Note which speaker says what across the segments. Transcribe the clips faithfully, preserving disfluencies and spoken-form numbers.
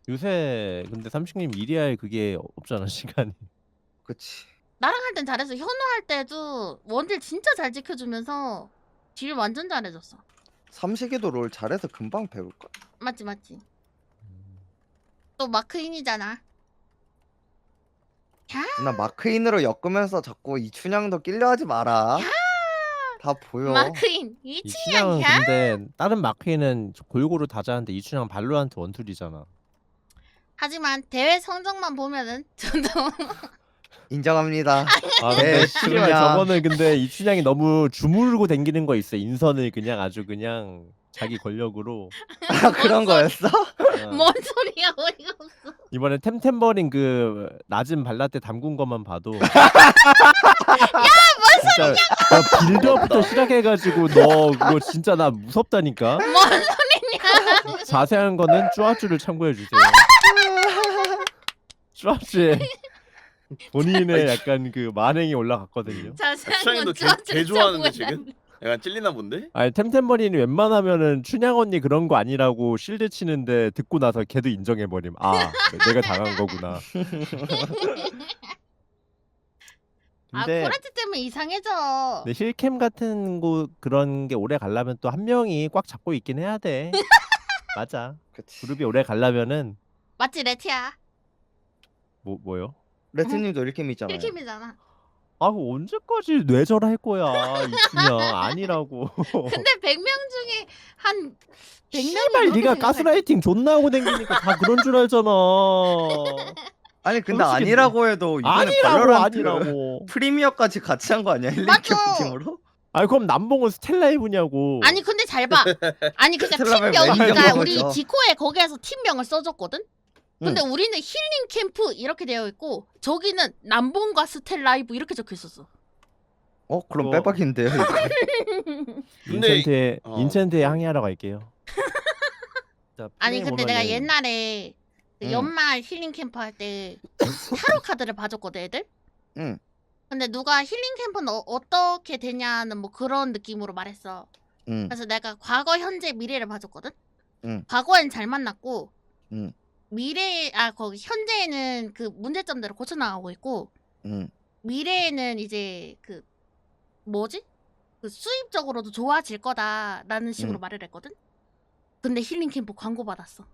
Speaker 1: 요새 근데 삼식님 일이 할 그게 없잖아 시간이.
Speaker 2: 그치.
Speaker 3: 나랑 할 땐 잘했어. 현우 할 때도 원딜 진짜 잘 지켜주면서 딜 완전 잘해줬어.
Speaker 2: 삼식이도 롤 잘해서 금방 배울걸.
Speaker 3: 맞지 맞지. 또 마크인이잖아.
Speaker 2: 나 마크인으로 엮으면서 자꾸 이춘향도 끼려 하지 마라. 다 보여.
Speaker 3: 마크인
Speaker 1: 이춘향은
Speaker 3: 이춘향이야?
Speaker 1: 근데 다른 마크에는 골고루 다 잘하는데 이춘향 발로란트 원툴이잖아.
Speaker 3: 하지만 대회 성적만 보면은 저도
Speaker 2: 인정합니다.
Speaker 1: 아
Speaker 2: 네,
Speaker 1: 근데 씨발
Speaker 2: 이춘향.
Speaker 1: 저거는 근데 이춘향이 너무 주무르고 댕기는 거 있어. 인선을 그냥 아주 그냥 자기 권력으로.
Speaker 2: 아 그런 거였어?
Speaker 1: 어.
Speaker 3: 뭔 소리야 어이가 없어.
Speaker 1: 이번에 템템버린 그 낮은 발라떼 담근 것만 봐도
Speaker 3: 야 뭔
Speaker 1: 진짜 나 빌드업부터 시작해가지고 너 그거 진짜 나 무섭다니까.
Speaker 3: 뭔 소리냐.
Speaker 1: 자세한 거는 쭈아쭈를 참고해 주세요. 쭈아쭈에 본인의 약간 그 만행이 올라갔거든요.
Speaker 3: 자세한
Speaker 4: 추장이도
Speaker 3: 건
Speaker 4: 개,
Speaker 3: 저한테
Speaker 4: 개 좋아하는데
Speaker 3: 참고해달래.
Speaker 4: 지금? 약간 찔리나 본데?
Speaker 1: 아니 템템버린이 웬만하면은 춘향 언니 그런 거 아니라고 실드 치는데 듣고 나서 걔도 인정해버림. 아 내가 당한 거구나.
Speaker 3: 아
Speaker 1: 근데
Speaker 3: 코레트 때문에 이상해져.
Speaker 1: 근데 힐캠 같은 거 그런 게 오래 가려면 또 한 명이 꽉 잡고 있긴 해야 돼. 맞아.
Speaker 2: 그치.
Speaker 1: 그룹이 오래 가려면은
Speaker 3: 맞지 레티야.
Speaker 1: 뭐 뭐요?
Speaker 2: 레트님도 이렇게 믿잖아요.
Speaker 3: 힐킴이잖아.
Speaker 1: 아 그 언제까지 뇌절 할 거야 이춘향 아니라고.
Speaker 3: 근데 백 명 중에 한 백 명이
Speaker 1: 씨발
Speaker 3: 그렇게
Speaker 1: 네가
Speaker 3: 생각할
Speaker 1: 가스라이팅 존나 하고 댕기니까 다 그런 줄 알잖아.
Speaker 2: 아니 근데
Speaker 1: 솔직히
Speaker 2: 아니라고 해도 이번에
Speaker 1: 아니라고
Speaker 2: 발로란트
Speaker 1: 아니라고.
Speaker 2: 프리미어까지 같이 한 거 아니야? 힐링
Speaker 3: 맞죠.
Speaker 2: 캠프 팀으로?
Speaker 1: 아니 그럼 남봉은 스텔라이브냐고.
Speaker 3: 아니 근데 잘 봐. 아니 그러니까
Speaker 2: 스텔라벨
Speaker 3: 팀명
Speaker 1: 매니저
Speaker 3: 그러니까 우리
Speaker 2: 거죠.
Speaker 3: 디코에 거기에서 팀명을 써줬거든. 근데
Speaker 2: 응.
Speaker 3: 우리는 힐링 캠프 이렇게 되어 있고 저기는 남봉과 스텔라이브 이렇게 적혀 있었어.
Speaker 2: 어 그럼
Speaker 1: 그거-
Speaker 2: 빼박인데요 이거.
Speaker 4: 근데
Speaker 1: 인챈트에
Speaker 4: 어.
Speaker 1: 인챈트에 항의하러 갈게요. 자,
Speaker 3: 아니
Speaker 1: 플레이
Speaker 3: 근데 내가
Speaker 1: 보면은
Speaker 3: 옛날에 그
Speaker 2: 응.
Speaker 3: 연말 힐링 캠프 할 때 타로 카드를 봐줬거든 애들.
Speaker 2: 응.
Speaker 3: 근데 누가 힐링 캠프는 어, 어떻게 되냐는 뭐 그런 느낌으로 말했어.
Speaker 2: 응.
Speaker 3: 그래서 내가 과거, 현재, 미래를 봐줬거든.
Speaker 2: 응.
Speaker 3: 과거엔 잘 만났고
Speaker 2: 응.
Speaker 3: 미래 아 거기 현재에는 그 문제점대로 고쳐 나가고 있고
Speaker 2: 응.
Speaker 3: 미래에는 이제 그 뭐지? 그 수입적으로도 좋아질 거다라는 식으로
Speaker 2: 응.
Speaker 3: 말을 했거든. 근데 힐링 캠프 광고 받았어.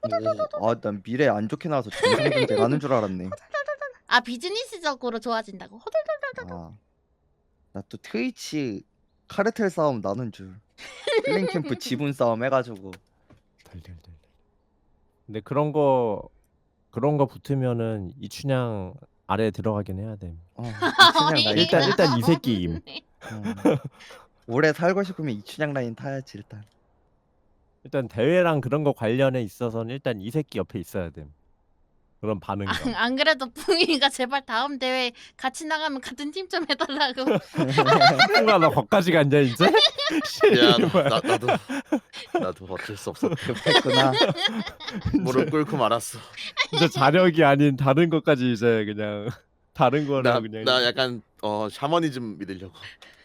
Speaker 2: 아난 미래 안 좋게 나와서 정상전쟁 하는 줄 알았네.
Speaker 3: 아 비즈니스적으로 좋아진다고. 허덜덜덜덜.
Speaker 2: 아. 나 또 트위치 카르텔 싸움 나는 줄. 힐링 캠프 지분 싸움 해가지고.
Speaker 1: 덜덜덜. 근데 그런 거 그런 거 붙으면은 이춘향 아래 들어가긴 해야 돼.
Speaker 2: 어, 이춘향 라인.
Speaker 1: 일단
Speaker 2: 타야지.
Speaker 1: 일단 이 새끼임.
Speaker 2: 어. 오래 살고 싶으면 이춘향 라인 타야지 일단.
Speaker 1: 일단 대회랑 그런 거 관련해 있어서는 일단 이 새끼 옆에 있어야 돼. 그런 반응감.
Speaker 3: 안, 안 그래도 풍이가 제발 다음 대회 같이 나가면 같은 팀 좀 해달라고.
Speaker 1: 풍아 나 거기까지 갔냐 이제?
Speaker 4: 야
Speaker 1: 씨발.
Speaker 4: 나, 나도 나도 어쩔 수 없어.
Speaker 2: 급했구나.
Speaker 4: 무릎 꿇고 말았어.
Speaker 1: 진짜 자력이 아닌 다른 것까지 이제 그냥 다른 거를
Speaker 4: 나,
Speaker 1: 그냥
Speaker 4: 나 약간 어 샤머니즘 믿으려고.